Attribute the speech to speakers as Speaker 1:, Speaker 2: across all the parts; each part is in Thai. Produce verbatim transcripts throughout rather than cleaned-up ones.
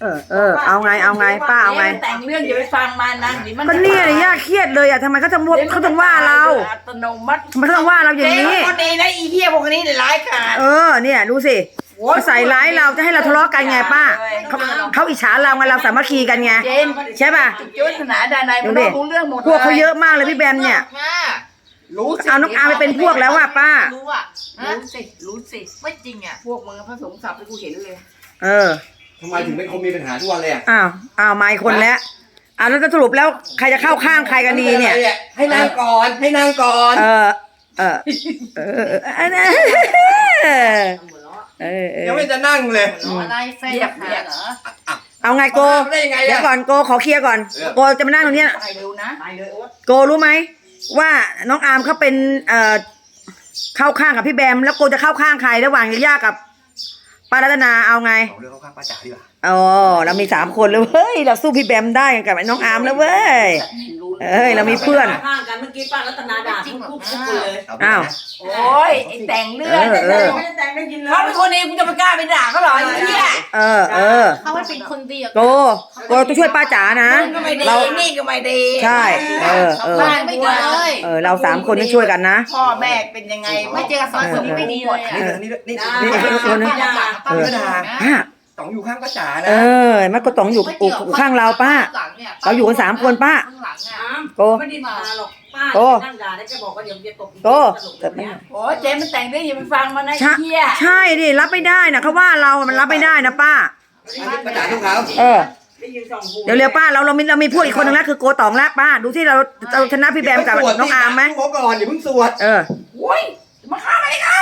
Speaker 1: เออเออเอาไงเอาไงป้าเอาไง
Speaker 2: แต่งเรื่องอย่าไปฟังมันนะ
Speaker 1: ก็เนี่ยย่าเครียดเลยอ่ะทำไมเขาต้องเขาต้องว่าเรา
Speaker 2: อัตโนมัติ
Speaker 1: ทำไมเขาต้องว่าเราอย่างนี้
Speaker 2: คนดีนะอีเหี้ยพวกนี้ร้ายกาจ
Speaker 1: เออเนี่ยดูสิเขาใส่ร้ายเราจะให้เราทะเลาะกันไงป้าเขาเขาอิจฉาเราไงเราสามัคคีกันไงใช่ป่ะ
Speaker 2: ยุทธนาดานายมันรู้เรื่องหมด
Speaker 1: พวกเขาเยอะมากเลยพี่แบมเนี่ยเอาน้องอาไปเป็นพวกแล้วว่ะป้า
Speaker 2: รู้อ่ะรู้สิรู้สิไม่จริงอ่ะพวกมึงพระสงฆ์สับไปกูเห็นเลย
Speaker 1: เออ
Speaker 3: ทำไมถึงเป็นคนมีปัญหาทุกวันเลยอ่ะ
Speaker 1: อ้าวอ้าวมาอีกคนแล้วอ้าวแล้วจะสรุปแล้วใครจะเข้าข้างใครกันดีเนี่ย
Speaker 3: ให้นางก่อนให้นางก่อน
Speaker 1: เออเออเออเออ
Speaker 3: ยังไม่จะนั่งเลย
Speaker 2: อะไรแฟนเหรอ
Speaker 1: เอาไงโกเดี๋ยวก่อนโกขอเคลียร์ก่อนโกจะมานั่งตรงนี้
Speaker 2: ไปเร็วนะไปเลยโอ๊ต
Speaker 1: โกรู้ไหมว่าน้องอาร์มเขาเป็นเอ่อเข้าข้างกับพี่แบมแล้วโกจะเข้าข้างใครระหว่างย่ากับป้ารัตนาเอาไง
Speaker 3: เอาเรื่องเข้าข้างป้าจ๋าดีกว่า
Speaker 1: อ๋อเรามีสามคนเลยเว้ยเราสู้พี่แบมได้กับน้องอาร์มแล้วเว้ยเอ้ยเรามีเพื่อน
Speaker 4: ข้างกันเมื่อกี้ป้ารัตนาด่าทุกทุกคนเลย
Speaker 1: อ้าว
Speaker 2: โอ้ยไอ้แต่งเรื่องไม่ได้แต่งได้ยินเลยเขาเป็นคนดีกูจะไปกล้าไปด่าเขาหรอไอ้เหี้ย
Speaker 1: เออเออ
Speaker 5: เขาเป็นคนดี
Speaker 1: โกโกต้องช่วยป้าจ๋านะ
Speaker 2: เรานี่ก็ไม่ดี
Speaker 1: ใช่เออเออ
Speaker 5: ไม่ดีเลย
Speaker 1: เออเราสามคนต้องช่วยกันนะ
Speaker 2: พ่อแม่เป็นยังไง
Speaker 5: ไม่เจอกับสองคนนี้ไม่ดีเลยอ่ะ
Speaker 3: นี่นี่นี่นี่คนนึงป้าจ๋าป้าต๋องอยู่ข้างป้าจ๋านะ
Speaker 1: เออมันก็ต๋องอยู่ข้างเราป้าเราอยู่กันสามคนป้าโก
Speaker 4: ไม่ได้มาหรอกป้านั่งด่าแล้วจะบอกว่าเดี๋ยวจะตบ
Speaker 1: โก
Speaker 2: โอ้เจ๊มันแต่งเรื่องอย่าไปฟังมันนะเหี้ย
Speaker 1: ใช่ดิรับไม่ได้นะเขาว่าเรามันรับไม่ได้นะป้า
Speaker 3: ป้าจ๋าทุกเขา
Speaker 1: เออเดี๋ยวเร็วป้าเราเรามีเรามีพูดอีกคนนึงแล้วคือโกต๋องแล้วป้าดูที่เราเราชนะพี่แบมกับน้องอาร์มไหม
Speaker 3: ขอก่อนอย่าเพิ่งสวด
Speaker 1: เออ
Speaker 2: โอ้ยมาฆ่าอะไรเขา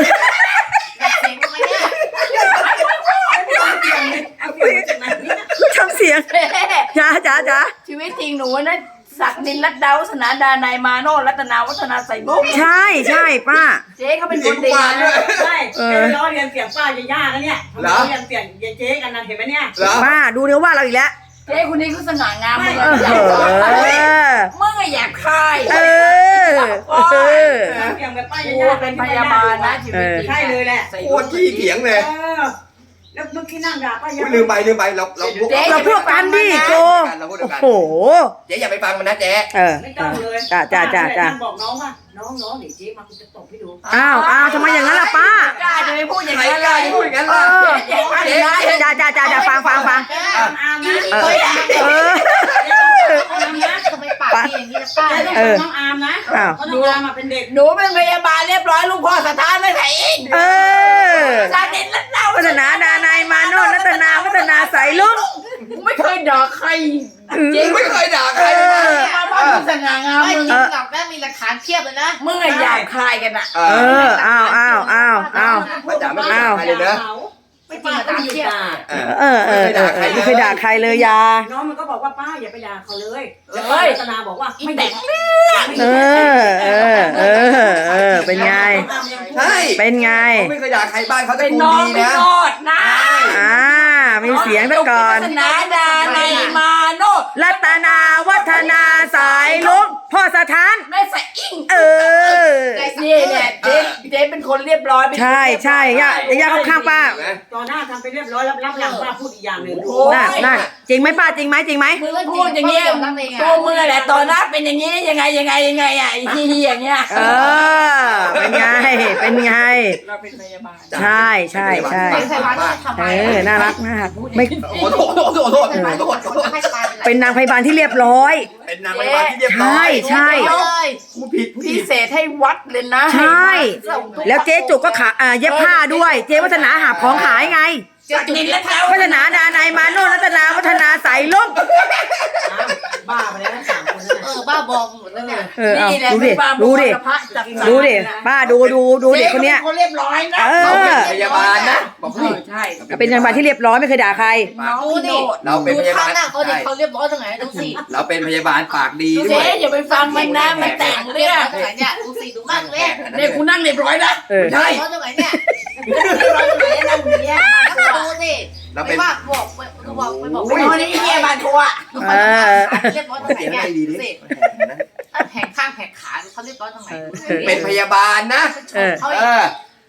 Speaker 1: ทำเสียงจ้าจ้าจ้า
Speaker 2: ชีวิตจริงหนูนะศักดินรัตดาวัฒนาดานายมาโนรัตนาวัฒนาใส่บุ้ง
Speaker 1: ใช่ใช่ป้า
Speaker 2: เจ๊เขาเป็นคนดี
Speaker 4: ใช่เออล้อเรียนเสียงป้าจะยากนะเนี่ยล้อเรียนเสียงเจ๊กันนะเห็นไหมเนี่ย
Speaker 1: ป้าดูเดี๋ยวว่าเราอีกแล้ว
Speaker 2: เจ๊คนนี้เขาสง่างามมึงมึงอะอยากคาย
Speaker 1: เออ
Speaker 4: เออเสียงแบบป้าจะยาก
Speaker 2: เป็นพยาบาลนะชีวิต
Speaker 4: ใช่เลยแหละ
Speaker 3: โคตรขี้เถียงเลย
Speaker 4: แล้วเมื่อกี้นั่งด่าป้ายัง
Speaker 3: ลืมไปลืมไปเราเราพวก
Speaker 1: เราพวกกันดิโกโอ้โห
Speaker 3: เจ๊อย่าไปฟังมันนะเจ๊
Speaker 1: เออ
Speaker 4: ไม่ต้องเลย
Speaker 1: จ้าจ้าจ้าจ้า
Speaker 4: บอกน้องว่าน้องน้องเดี๋ยวเจ๊มาคุณจะตบให้ดู
Speaker 1: อ้าวอ้าวทำไมอย่างนั้นล่ะป้าก
Speaker 2: ล้าจะไม่พูดอย่างนั้นเลย
Speaker 3: พูดอย่างนั้นล่ะ
Speaker 1: จ้าจ้าจ้าจ้าฟังฟังฟัง
Speaker 4: เออ
Speaker 1: เออ
Speaker 5: ทำไมปากดีอย่างนี้นะป้า
Speaker 4: เออน้องอาร์มนะเพราะน้องอาร์มมาเป็นเด็ก
Speaker 2: หนูเป็นพยาบาลเรียบร้อยลูกพ่อสถานไม่ใส่เอง
Speaker 1: เออ
Speaker 2: สาเด็ดรัตนา
Speaker 1: วัฒนาดานายมาโนรัตนาวัฒนาใส่ลุง
Speaker 2: ไม่เคยด่าใคร
Speaker 3: จริงไม่เคยด่าใคร
Speaker 2: มาบ้านสง่างาม
Speaker 5: ไม่จริงหรอกแม่มีหลักฐานเทียบเลยนะ
Speaker 2: มึงอะอยากคายกันอะ
Speaker 1: เอออ้าวอ้าวอ้าวอ้าว
Speaker 3: อ้าวเลยนะ
Speaker 5: ไม่จริงหลักฐานเทียบ
Speaker 1: เออเออเออไม่เคยด่าใครเลยยา
Speaker 4: น้องมันก็บอกว่าป้าอย่าไปด่าเขาเลยแล้วป้ารัตนาบอกว่าไม่แต่งเ
Speaker 1: รื่องเออเออเออเออเป็นไง
Speaker 3: ใช่
Speaker 1: เป็นไง
Speaker 3: ไม่เคยด่าใครบ้านเขาจะ
Speaker 2: เป็นน้องไม่รอดนะ
Speaker 1: อ่ามีเสียงซะก่อน
Speaker 2: รัตนาดานายมาโน
Speaker 1: รัตนาวัฒนาสายลุงพ่อสถาน
Speaker 2: แม่ใส่อิง
Speaker 1: เออ
Speaker 2: นี่เนี่ยเจ๊เจ๊เป็นคนเรียบร้อย
Speaker 1: ใช่ใช่ย่าย่าเข้าข้างป้า
Speaker 4: ตอนหน้าทำไปเรียบร้อยรับรับหลังป้าพูดอีกอย่างหนึ่ง
Speaker 1: น่ะน่ะจริงไหมป้าจริงไหมจริงไหม
Speaker 2: พูดอย่างเงี้ยตัวมือแหละตอนหน้าเป็นอย่างงี้ยังไงยังไงยังไงอ่ะไอ้ที่อย่างเงี้ย
Speaker 1: เออเป็นไงเป็นไง
Speaker 2: เราเป็นพยาบาล
Speaker 1: ใช่ใช่ใช่เออน่ารักมากไม่
Speaker 3: ขอโทษขอโทษขอโทษขอโทษ
Speaker 1: เป็นนางพยาบาลที่เรียบร้อย
Speaker 3: เป็นนางพยาบาลที่เรียบร้อย
Speaker 1: ใช่ใช่
Speaker 3: กูผิด
Speaker 2: พิเศษให้วัดเลยนะ
Speaker 1: ใช่แล้วเจ๊จุกก็ขาเย็บผ้าด้วยเจ๊วัฒนาหาของขายไงวัฒนาดานายมาโนรัตนาวัฒนาใส่ลุง
Speaker 4: บ้าไปแล้วสามคน
Speaker 5: เออบ้าบอหมดแล้วเนี่ย
Speaker 1: เออดูดิดูดิดูดิป้าดูดูดูเด็กคนเนี้ย
Speaker 2: เขาเรียบร้อยนะ
Speaker 3: เราเป็นพยาบาลนะบอกพี่
Speaker 2: ใช่
Speaker 1: เป็นพยาบาลที่เรียบร้อยไม่เคยด่าใคร
Speaker 5: ดูดิ
Speaker 3: เราเป็นพยาบาล
Speaker 5: เขาเด็กเขาเรียบร้อยตรงไหนดูสิ
Speaker 3: เราเป็นพยาบาลปากดีด้วย
Speaker 2: เจ๊อย่าไปฟังมันนะมันแต่งเรื่อง
Speaker 5: เนี่ยดูสิดูมากเลย
Speaker 2: เนี่ยกูนั่งเรียบร้อยนะ
Speaker 5: ใช่ตรงไหนเนี่ยเรียบร้อยตรงไหนนั่งอยู่เนี่ยดูสิไม่ว่าบอกไปบอกไปบอกไป
Speaker 2: นี่เฮียบานทัว
Speaker 5: เออเรียบร้อยตรงไหนเนี่ยสิแผงข้างแผงขาเขาเรียบร้อยตรงไหน
Speaker 3: เป็นพยาบาลนะ
Speaker 5: เขา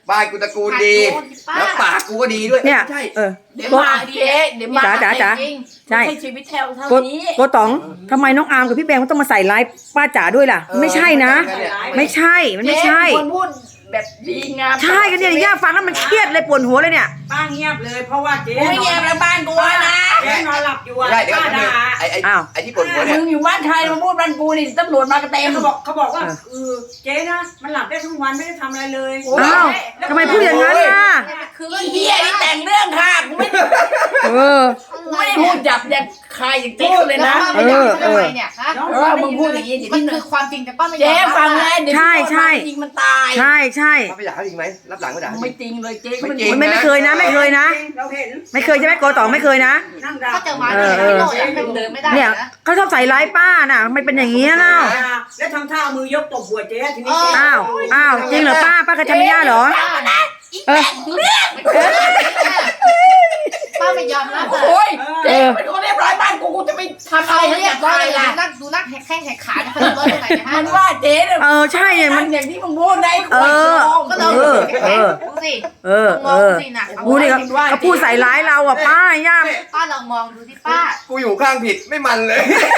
Speaker 3: บ้านกูตระกูลดี แล้วปากกูก็ดีด้วย
Speaker 1: เนี่ย
Speaker 3: ใช่
Speaker 1: เออ
Speaker 2: เดี๋ยวมาเจ๊เดี๋ยวมา
Speaker 1: จ๋าจ๋าจ๋า
Speaker 2: จริง
Speaker 1: ใช่
Speaker 2: ไม่ใช่ชีวิตแถวเท่า
Speaker 1: โก
Speaker 2: นี้
Speaker 1: โกต๋องทำไมน้องอาร์มกับพี่แบงค์ต้องมาใส่ร้ายป้าจ๋าด้วยล่ะ ไม่ใช่นะ ไม่ใช่ มันไม่ใช่
Speaker 2: เจ๊เป็นคนพูดแบบดีงาม
Speaker 1: ใช่กันเนี่ยย่าฟังแล้วมันเครียดเลยปวดหัวเลยเนี่ย
Speaker 4: ป้าเงียบเลยเพราะว่าเจ๊
Speaker 2: กูไม่เงียบแล้วบ้านกูอะนะ
Speaker 4: เจ๊นอนหลับอยู่อะ
Speaker 3: ไม่ได้เดี๋ยว
Speaker 4: ป้า
Speaker 3: ก่อน
Speaker 4: ด่า
Speaker 3: ไอ้ไอ้
Speaker 1: อ้าว
Speaker 3: ไอ้ที่ปวดหัวเนี่ย
Speaker 2: มึงอยู่บ้านใครมาพูดบ้านกูนี่ตำรวจมากระเต็ม
Speaker 4: เขาบอกเขาบอกว่า
Speaker 1: เออ
Speaker 4: เออเจ๊นะมันหลับได้ทั้งวันไม่ได้ทำอะไรเลย
Speaker 1: อ้าวทำไมพูดอย่างนั้นล่ะ
Speaker 5: คือ
Speaker 2: ไอ้เหี้ยนี่แต่งเรื่องค่ะกูไม่
Speaker 1: เออ
Speaker 2: กูไม่ได้พูดจับอย่างใครอย่างเจ๊เลย
Speaker 5: แล้ว
Speaker 2: นะ
Speaker 5: ป้าไม่ยอมทำไมเนี่ยฮะ
Speaker 4: น้อง
Speaker 2: เออมึงพูดอย่างนี้เดี๋ยว
Speaker 5: มัน
Speaker 2: นี้
Speaker 5: คือความจริงแต่ป้าไม่ยอม
Speaker 2: เจ๊ฟังแล้วเดี๋ยว
Speaker 1: ใช่ใช่
Speaker 2: ยิงมันตาย
Speaker 1: ใช่ใช่
Speaker 3: ป้าไปด่าเขาจริงไหมรับหลังก็ด่าเขาจ
Speaker 2: ไม่
Speaker 3: ริง
Speaker 2: จริงเลยเจ๊ก็
Speaker 3: ไม่
Speaker 2: ไม่
Speaker 3: จริง
Speaker 1: ไม่ไม่เคยนะ ไม่เคยนะ
Speaker 4: เราเห็น
Speaker 1: ไม่เคยใช่ไหมโกต๋องไม่เคยนะ
Speaker 4: นั่งด่า
Speaker 5: ถ้าเจอมาเนี่ยพี่โน่อยากให้เดินไม่ได้
Speaker 1: เนี่ย
Speaker 5: นะ
Speaker 1: เขาชอบใส่ร้ายป้าน่ะมันเป็นอย่างนี้ยเล่า
Speaker 4: ด่าแล้วทำท่าเอามือยกตบหัวเจ๊ทีนี้
Speaker 1: อ้าวอ้าวจริงเหรอป้าป้าเคยทำไม่ได้เหรอ เออ
Speaker 5: ป้าไม่ยอมรับ
Speaker 2: โอ้ย
Speaker 1: เอ
Speaker 2: เจ๊
Speaker 1: อ
Speaker 2: เป็นคนเรียบร้อยบ้านกูกูจะไปทำ
Speaker 5: ทำ
Speaker 2: อะ
Speaker 5: อะไร ไร
Speaker 2: ให้
Speaker 5: เรี
Speaker 2: เรี
Speaker 5: ย
Speaker 2: ย
Speaker 5: บบ ร้
Speaker 2: ร้
Speaker 5: อ
Speaker 2: อย ย
Speaker 5: เลย
Speaker 2: ล่ะ
Speaker 5: นั่งดูนั่งแหกแข้งแหกขาเขาเรียบร้อยตรงไหนนะ
Speaker 2: มันว่าเจ๊เนี่ย
Speaker 1: เออใช่เนี่ย
Speaker 2: มั
Speaker 1: มัน น
Speaker 2: อย่างที่มึงพูดได้
Speaker 1: เออ
Speaker 5: ก็ต้อง
Speaker 1: เออ
Speaker 5: แหกดูสิ
Speaker 1: เออ
Speaker 5: ม
Speaker 1: เอ
Speaker 5: อง
Speaker 1: อ
Speaker 5: สินะ
Speaker 1: กูนี่เขาเขาพูดใส่ร้ายเราอ่ะป้าย่า
Speaker 5: ป้าลองมองดูที่ป้า
Speaker 3: กูอยู่ข้างผิดไม่มันเลย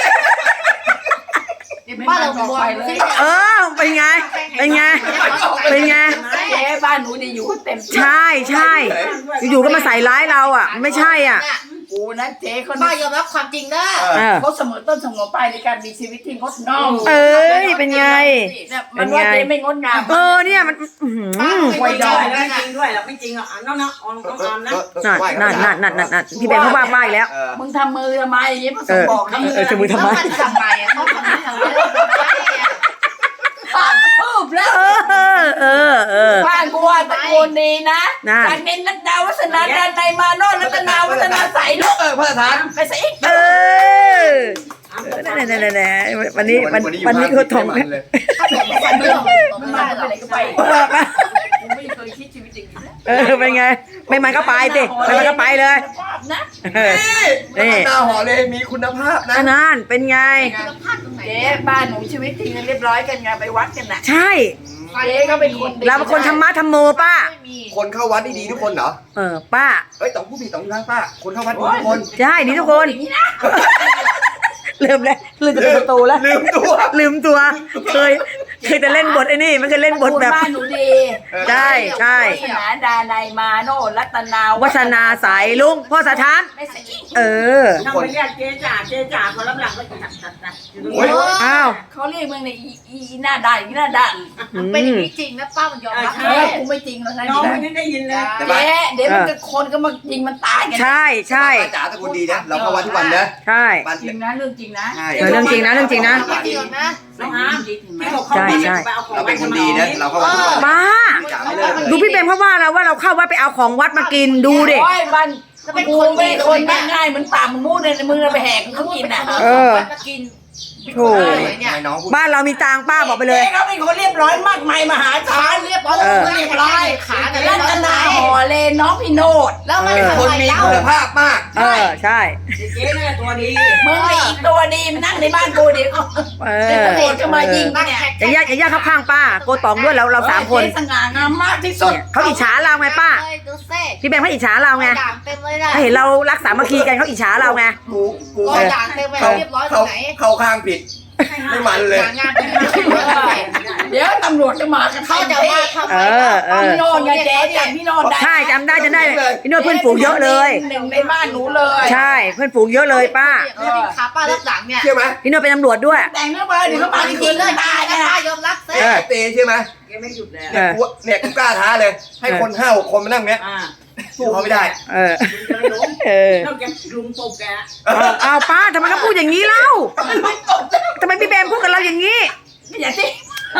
Speaker 5: เดี๋ยวป้าลองมองดูสิ
Speaker 1: เออเป็นไงเป็นไงเป็นไง
Speaker 2: เจ๊บ้านหนูเนี่ยอยู่เต็มที่
Speaker 1: ใช่ใช่อยู่ๆก็มาใส่ร้ายเราอ่ะ ไม่ใช่อ่ะ
Speaker 2: กูนะเจ๊เขา
Speaker 5: ป้ายอมรับความจริงนะ
Speaker 1: เออ
Speaker 2: เขาเสมอต้นเสมอปลายในการมีชีวิตที่งดงาม
Speaker 1: เอ้ยเป็นไง
Speaker 2: เนี่ยมันว่าเจ๊ไม่งดงาม
Speaker 1: เออเนี่ยมันอื้อหือ
Speaker 4: ไม่จริงไม่จริงด้วยหรอกไม่จริงหรอกอ่ะน้องนะออนน้องออนนะ
Speaker 1: นั่นนั่นนั่นนั่นนั่นพี่แบงค์เขาว่าป้าอีกแล้ว
Speaker 3: เออ
Speaker 2: มึงทำมือทำไมอย่างนี้พระส
Speaker 1: เอง
Speaker 2: ฆ์
Speaker 1: อ
Speaker 2: บอกทำมือ
Speaker 1: เออจะมือทำไม
Speaker 5: ทำไมอ่ะเขาทำไมทำไมทำไมอ่ะ
Speaker 2: ปากพูบแล้ว
Speaker 1: เออเออเออ
Speaker 2: บ้านกูว่าตระกูลดีนะ
Speaker 1: นั่น
Speaker 2: จากเน้นนัดดาวัฒนาดานในยมาโนรัตนาวัฒนาใสลูก
Speaker 3: เออพระประธาน
Speaker 2: ไปซะอีก
Speaker 1: เออนั่นนั่นนั่นวันนี้วันวันนี้เขาทอง
Speaker 3: ไม่มันเลย
Speaker 5: ถ้าเกิดว่าฟันเรื่องของ
Speaker 2: มัน
Speaker 5: ป้า
Speaker 2: มา
Speaker 5: เรา
Speaker 2: ไปไหนก็ไป
Speaker 1: เออป้า
Speaker 2: กูไม่เคยคิดชีวิตอย่างนี้นะ
Speaker 1: เออเป็นไง ไม่มันก็ไปสิไม่มันก็ไปเลย
Speaker 2: ภาพนะ
Speaker 1: เออ
Speaker 3: นี่หน้าหอเลยมีคุณภาพนะ
Speaker 1: อันนั้นเป็นไง
Speaker 5: คุณภาพตรงไหน
Speaker 2: เจ๊บ้านหนูชีวิตจริงเรียบร้อยกันไงไปวัดกันน่ะ
Speaker 1: ใช่
Speaker 2: เจ๊ก็เป็นคนดี
Speaker 1: เราเป็นคนธรรมะธรรมโมป้า
Speaker 5: ไม่มี
Speaker 3: คนเข้าวัดดีๆทุกคนเหรอ
Speaker 1: เออป้า
Speaker 3: เอ้ยต้องผู้ผิดต้องอยู่ข้างป้า คนเข้าวัดดีทุกคน
Speaker 1: ใช่ดีทุกคน
Speaker 2: อย่างนี้นะ
Speaker 1: ลืมแล้วลืมจะเป็นประตูแล้ว
Speaker 3: ลืมตัว
Speaker 1: ลืมตัว เคย เคยแต่เล่นบทไอ้นี่ไม่เคยเล่นบทแบบ
Speaker 2: บ้านหนูดี
Speaker 1: ใช่ใช่
Speaker 2: วัฒนาดาในยมาโนรัตนา
Speaker 1: วัฒนาสายลุงพ่อสถาน
Speaker 2: ไม่ใช่อีก
Speaker 1: เออ
Speaker 4: ทำไปเรียกเจ๊จ่าเจ๊จ่าพอรับหลังก็จัดจัดจัดอยู่ตรง
Speaker 3: โอ้
Speaker 4: นี้
Speaker 3: ย
Speaker 1: อ้าว
Speaker 2: เขาเรียกมึงในอีอีอีหน้าด่านอีหน้าด่าน
Speaker 1: อืม
Speaker 5: เป็นอย่างนี้จริงนะป้ามันยอมรับ
Speaker 2: เออกูไม่จริงแล้วนะ
Speaker 4: น้องไม่ได้ยินเลย
Speaker 3: แต่บ้าน
Speaker 2: เจ๊เดี๋ยวมันจะคนก็มายิงมันตายกัน
Speaker 1: ใช่ใช่
Speaker 3: ป้าจ๋าตระกูลดีนะ เราเข้าวัดทุกวันนะ
Speaker 1: ใช่
Speaker 3: บ้าน
Speaker 2: จริงนะเรื่องจริงนะ
Speaker 3: ใช่
Speaker 1: เออเรื่องจริงนะเรื่องจริงนะ
Speaker 5: ไม่จริงหรอกนะ
Speaker 4: น้องอาร์ม
Speaker 2: จริงไหม
Speaker 4: ที่บอกเขา
Speaker 1: ใช่ใช่
Speaker 4: ไปเอาของ
Speaker 3: เราเป็นคนดีนะ เราเข้าวัดทุกวัน
Speaker 1: ป้า
Speaker 3: จ๋าไม่เลิกเลย
Speaker 1: ดูพี่เบมเขาว่าเราว่าเราเข้าวัดไปเอาของวัดมากินดูดิ
Speaker 2: โอ้ยบ้าน
Speaker 5: จะเป็น
Speaker 2: กู
Speaker 5: คน
Speaker 2: ไม่คนง่ายๆเหมือนป่ามึงมูดเลยมึงเอาไปแหกเขากินอ่ะ
Speaker 1: เออ
Speaker 5: มากิน
Speaker 1: โถ่
Speaker 5: เนี่ย
Speaker 3: ให้น้องพูด
Speaker 1: บ้านเรามีตังค์ป้าบอกไปเลย
Speaker 2: จ๊เขาเป็นคนเรียบร้อยมากมายมหาศาล
Speaker 5: เรียบร้อย
Speaker 1: เออ
Speaker 5: เรียบร้อยขาแต่เรี
Speaker 2: รั
Speaker 5: ยบร้อย
Speaker 2: ตนาห่อเลน้องพี่โนด
Speaker 5: แล้วมัน
Speaker 3: เป็น
Speaker 5: ทำ
Speaker 3: คน
Speaker 5: ไม
Speaker 3: มี
Speaker 5: เล่า
Speaker 3: คุณภาพมาก
Speaker 1: เออใช่
Speaker 4: เจ๊นี่นตัวดี
Speaker 2: มึงไอ้อีกตัวดีมันนั่งในบ้านกูเดี๋ยว
Speaker 1: เอ
Speaker 2: เดี๋ยว
Speaker 1: อ
Speaker 2: ตำรวจก็มายิงกันเนี่ย
Speaker 1: อย่าญาติอย่าญาติเข้าข้างป้าโกตองด้วยเราเราสามคน
Speaker 2: เจ๊สง่างามมากที่สุด
Speaker 1: เขาอิจฉาเราไงป้า
Speaker 5: ดูเซ่
Speaker 1: พี่แบงค์เขาอิจฉาเราไง
Speaker 5: ด่างเต็มเลยนะ
Speaker 1: เขาเห็นเรารักสามัคคีกันเขาอิจฉาเราไง
Speaker 3: กูกู
Speaker 5: รอยด่างเต็มไป
Speaker 3: เขา
Speaker 5: เรียบร้อยตร
Speaker 3: เขา
Speaker 5: งไหน
Speaker 3: เข้าข้างผิด ไม่มันเลย
Speaker 5: งานเป็นเรื่องอะไร
Speaker 2: เดี๋ยวตำรวจก็มากัน
Speaker 5: เขาจะมาทำไม
Speaker 1: เออเออ
Speaker 2: พี่โนดไงเจ๊จำพี่โนดได้
Speaker 1: ใช่จำได้จำได้พี่โน้ตเพื่อนฝูงเยอะเลย
Speaker 2: หนึ่งในบ้านหนูเลย
Speaker 1: ใช่เพื่อนฝูงเยอะเลยป้า
Speaker 5: ขาป้ารับหลังเนี่ย
Speaker 3: เชื่อไหม
Speaker 1: พี่โน้ตเป็นตำรวจด้วย
Speaker 2: แต่งเรื่องไปเดี๋ยวเขามา
Speaker 5: จ
Speaker 2: จ
Speaker 5: ริ
Speaker 2: ริ
Speaker 5: ง
Speaker 2: ง
Speaker 5: เล
Speaker 2: ๆเลย ย
Speaker 5: ตา
Speaker 2: ตาย ย
Speaker 5: นะ
Speaker 2: นะ
Speaker 5: ป้ายอมรับเซ่
Speaker 3: เออเตเชื่อไหม
Speaker 4: แกไม่หยุดแล้ว
Speaker 3: เนี่ยกูเนี่ยกูกล้าท้าเลย ให้คนห้าหกคนมานั่งเนี้ย
Speaker 4: อ่า
Speaker 3: สู้เขาไม่ได้
Speaker 1: เออ
Speaker 4: จะไม่ล้ม
Speaker 1: เออ
Speaker 4: นอกจากลุมตบแก
Speaker 1: เอาเอาป้าทำไมเขาพูดอย่างนี้เล่าทำไมพี่แบมพูดกับเราอย่างนี้
Speaker 2: อย่าที่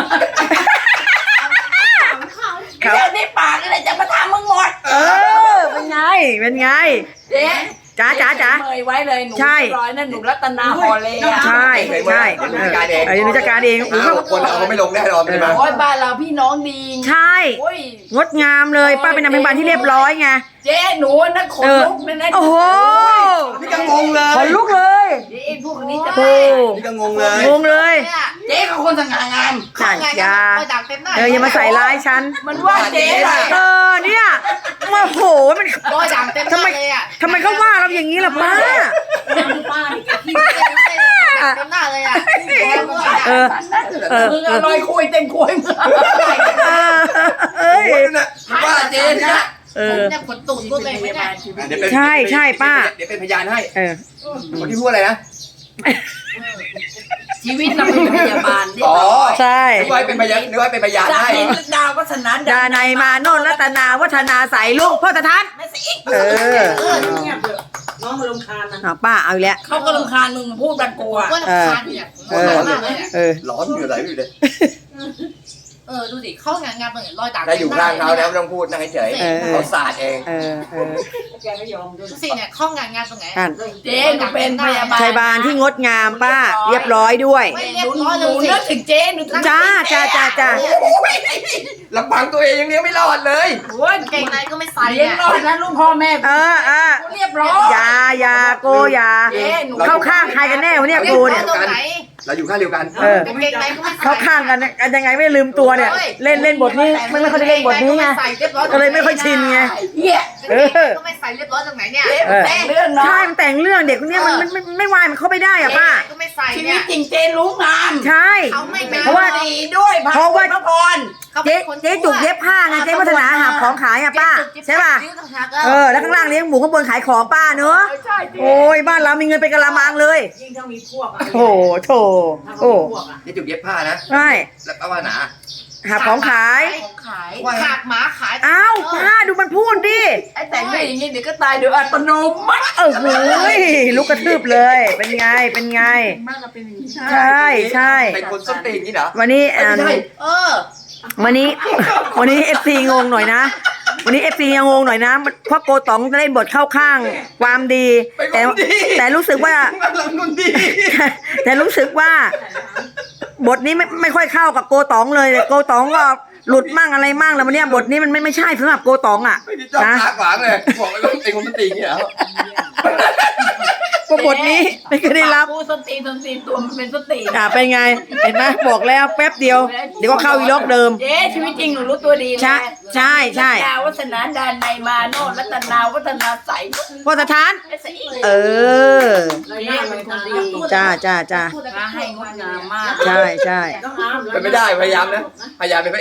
Speaker 2: เดี๋ยวนี่ปากอะไรจะมาทำมึงหมด
Speaker 1: เออเป็นไงเป็นไง
Speaker 2: เจ๊
Speaker 1: จ๋าจ๋าจ๋า
Speaker 2: เมยไว้เลยหนู
Speaker 1: ใช่
Speaker 2: เรียบร้อยนั่นหนูรัตนาฮอลเลยอะ
Speaker 1: ใช่ใช่เออเออนิจการเองโอ้
Speaker 3: ห้า
Speaker 1: โห
Speaker 3: หกคนเอาไม่ลงแน่นอนเลยมั้ย
Speaker 2: โอ้ยบ้านเราพี่น้องดี
Speaker 1: ใช่
Speaker 2: โอ้ย
Speaker 1: งดงามเลยป้าเป็นนางพยาบาลที่เรียบร้อยไง
Speaker 2: เจ๊หนูนั่นขน
Speaker 1: เออ
Speaker 2: ลุกเลยนะ
Speaker 1: โอ้โห
Speaker 3: นี่ก็งงเลย
Speaker 1: ขนลุกเลย
Speaker 2: เดี๋ยวไอ้พวกนี้จะ
Speaker 1: โอ้
Speaker 3: นี่ก็งงเลย
Speaker 1: งงเลย
Speaker 5: เนี่ย
Speaker 2: เจ๊เขาคนสง่างาม
Speaker 1: นั่น
Speaker 5: ไง
Speaker 1: อย่า
Speaker 5: คอยดักเต็มหน้า
Speaker 1: เอออย่ามาใส่ร้ายฉัน
Speaker 2: มันว่าเจ๊เลย
Speaker 1: เออเนี่ยโอ้โหมัน
Speaker 5: รอยดักเต็มหน้าเลยอ่ะ
Speaker 1: ทำไมเขาว่าเราอย่างนี้ล่ะป้า
Speaker 4: ป้านี่แกขี้
Speaker 5: ดักเต็มหน้าเลยอ่ะ
Speaker 1: เออเออ
Speaker 2: มึงอร่อยคุยเต็มคุยมึง
Speaker 1: เอ้ย
Speaker 3: โอ้ยนั่นน่ะว่าเจ๊นะ
Speaker 1: เอ
Speaker 5: ผม
Speaker 1: อ
Speaker 5: เนี่ยขนตูดรูดเลยไหมเนี่ย
Speaker 3: เดี๋ยวเป็น
Speaker 1: ใช่ใช่ป้า
Speaker 3: เดี๋ยวเป็นพยานให้
Speaker 1: เออ
Speaker 3: คนที่พูดอะไรนะ
Speaker 2: ชีวิตเราเป็นพยาบาล
Speaker 3: อ๋อ
Speaker 1: ใช่
Speaker 3: นึกว่าเป็นพยานนึกว่าเป็นพยาน
Speaker 2: จาก
Speaker 3: ให้
Speaker 2: นี้ดาววัฒนา
Speaker 1: ดาในยมาโนนรัตนาวัฒนาใส่ลุงพ่อตาทัน
Speaker 2: ไม่สิ
Speaker 1: เออ
Speaker 4: เงียบเถอะน้องมาลงคานนะ
Speaker 1: เอาป้าเอาอีกแล้ว
Speaker 2: เขาก็รำคาญมึงพูดบันกลัว
Speaker 5: ว่าน้ำคานเนี่ยร้อนมากเลยเนี่ย
Speaker 1: เออ
Speaker 3: ร้อนอยู่ไหนอยู่เลย
Speaker 5: เออดูดิเข้างานงานเป็นรอยดัก
Speaker 3: ถ้าอยู่ข้างเขานะไม่ต้องพูดนั่งเฉย
Speaker 1: เออ
Speaker 3: ๆเขาสาดเอง
Speaker 1: เออเออ
Speaker 4: แกไม่ยอมด้วย
Speaker 5: ดูสิเนี่ยเข้างานงานตรงไหน
Speaker 1: ท่าน
Speaker 2: เจ๊หนูเป็นพยาบาล
Speaker 1: ชัยบานที่งดงามป้า เรียบร้อยด้วย
Speaker 5: ไม่
Speaker 2: ห
Speaker 5: เรียบ
Speaker 2: นู
Speaker 5: ร้อย
Speaker 2: ห
Speaker 5: เล
Speaker 2: นู
Speaker 5: ยสิ
Speaker 2: นึกถึงเจ๊หนู
Speaker 1: จ้าจ้าจ้าจ้า
Speaker 3: ลำพังตัวเองยังเลี้ยงไม่รอดเลย
Speaker 2: โอ้ย
Speaker 5: เก่งในก็ไม่ใส่
Speaker 2: เลี้ยง
Speaker 5: เนี่ย
Speaker 2: รอดนะลูกพ่อแม่
Speaker 1: เออเออ
Speaker 2: เรียบร้อย
Speaker 1: อย่าอย่าโกอย่า
Speaker 2: เจ๊หนู
Speaker 1: เข้าข้างใครกันแน่วะเนี่ย
Speaker 5: เรียบ
Speaker 1: กู
Speaker 5: ร้อ
Speaker 1: เนี่ย ย
Speaker 5: ตรงไหน
Speaker 3: เราอยู่ข้างเดียวกัน
Speaker 1: เออ
Speaker 5: เก่งในก็ไม่ใส่
Speaker 1: เข้าข้างกันกันยังไงไม่ลืมตัวเนี่ย เล่นเล่นบทนี้ไม่ไม่ค่อยได้เล่นบทนี้ไงก็เลยไม่ค่อยชินไง
Speaker 2: เหี้ย
Speaker 5: เออก็ไม่ใส่เรียบร้อยตรงไหนเนี่ย
Speaker 2: เจ๊มันแต่งเรื่องเนาะ
Speaker 1: ใช่มันแต่งเรื่องเด็กคนเนี้ยมันมันไม่ไม่วายมันเข้าไม่ได้อะป้า
Speaker 5: ก็ไม่ใส่
Speaker 2: ชีวิ
Speaker 5: เนี่
Speaker 2: ต
Speaker 5: ย
Speaker 2: จริงเจ๊รู้งาน
Speaker 1: ใช่
Speaker 5: เขาไม่งาน
Speaker 1: เพราะว่า
Speaker 2: ดีด้วยพระ
Speaker 1: เพราะว่า
Speaker 2: พระพร
Speaker 1: เจ๊เจ๊จุกเย็บผ้าไงเจ๊วัฒนาหาของขายอะป้าใช่ป่ะเออแล้วข้างล่างเลี้ยงหมูข้างบนขายของป้าเนอะ
Speaker 2: ใช่เจ๊
Speaker 1: โอ้ยบ้านเรามีเงินเป็นกะละมังเลย
Speaker 4: ยิ่งถ้ามีพวกอะ
Speaker 1: โถโถ
Speaker 4: ถ้าเขา
Speaker 1: โอ้
Speaker 4: มีพวกอะ
Speaker 3: นี่จุกเย็บผ้านะ
Speaker 1: ใช่
Speaker 3: แล้วป้าว่าหนา
Speaker 1: หาของขาย
Speaker 5: ของขายขาดหมาขาย
Speaker 1: อ้าวป้าดูมันพูดดิ
Speaker 2: ไอ้แต่งไม่อย่างนี้เดี๋ยวก็ตายโดยอัตโนมัติ
Speaker 1: เออโอ้ยลุกกระทืบเลย เป็นไงเป็นไง
Speaker 2: บ้านเราเป็นอย่างนี้
Speaker 1: ใช่ใช่
Speaker 3: เป็นคนส้นตีนนี่เหรอ
Speaker 1: วันนี้
Speaker 3: ไม่
Speaker 1: อ่า
Speaker 3: ใช่
Speaker 5: เออ
Speaker 1: วันนี้ วันนี้เอฟซีงงหน่อยนะ วันนี้เอฟซียังงงหน่อยนะเพราะโกต๋องเล่นบทเข้าข้างความดี แต่แต่รู้สึกว่า
Speaker 3: กำลังคนดี
Speaker 1: แต่รู้สึกว่า บทนี้ไม่ไม่ค่อยเข้ากับโกต๋องเลยโกต๋องก็หลุดมั่งอะไรมั่งแล้ววันเนี้ยบทนี้มันไม่ไม่ใช่สำหรับโกต๋องอ่ะ
Speaker 3: ไม่ได้จ้อง
Speaker 1: นะ
Speaker 3: ตาขวางเลยบอกเลยว่าเป็นคนส้นตีนนี่เหรอ
Speaker 1: ก็บทนี้ไม่เคยได้รับ
Speaker 2: กูสนตีนสนตีนตัวมันเป็นสนตีน
Speaker 1: อ่าเป็นไง เห็นไหมบอกแล้วแป๊บเดียว เดี๋ยวก็เข้าอีล็อกเดิม
Speaker 2: เจ๊ชีวิตจริงหนูรู้ตัวดีนะ
Speaker 1: ใช่ใช่ใช่
Speaker 2: รัตนาวัฒนาดานในยมาโนรัตนาวัฒนาใส
Speaker 1: พ่อสถาน
Speaker 2: ไอ้ใสอีก
Speaker 1: เออ
Speaker 4: เราหน้าเป็นคนดี
Speaker 1: จ้าจ้าจ้า
Speaker 2: มาให้งดงามมาก
Speaker 1: ใช่ใช่
Speaker 4: ต้องอ้าม
Speaker 3: เป็นไม่ได้พยายามนะพยายามเป็น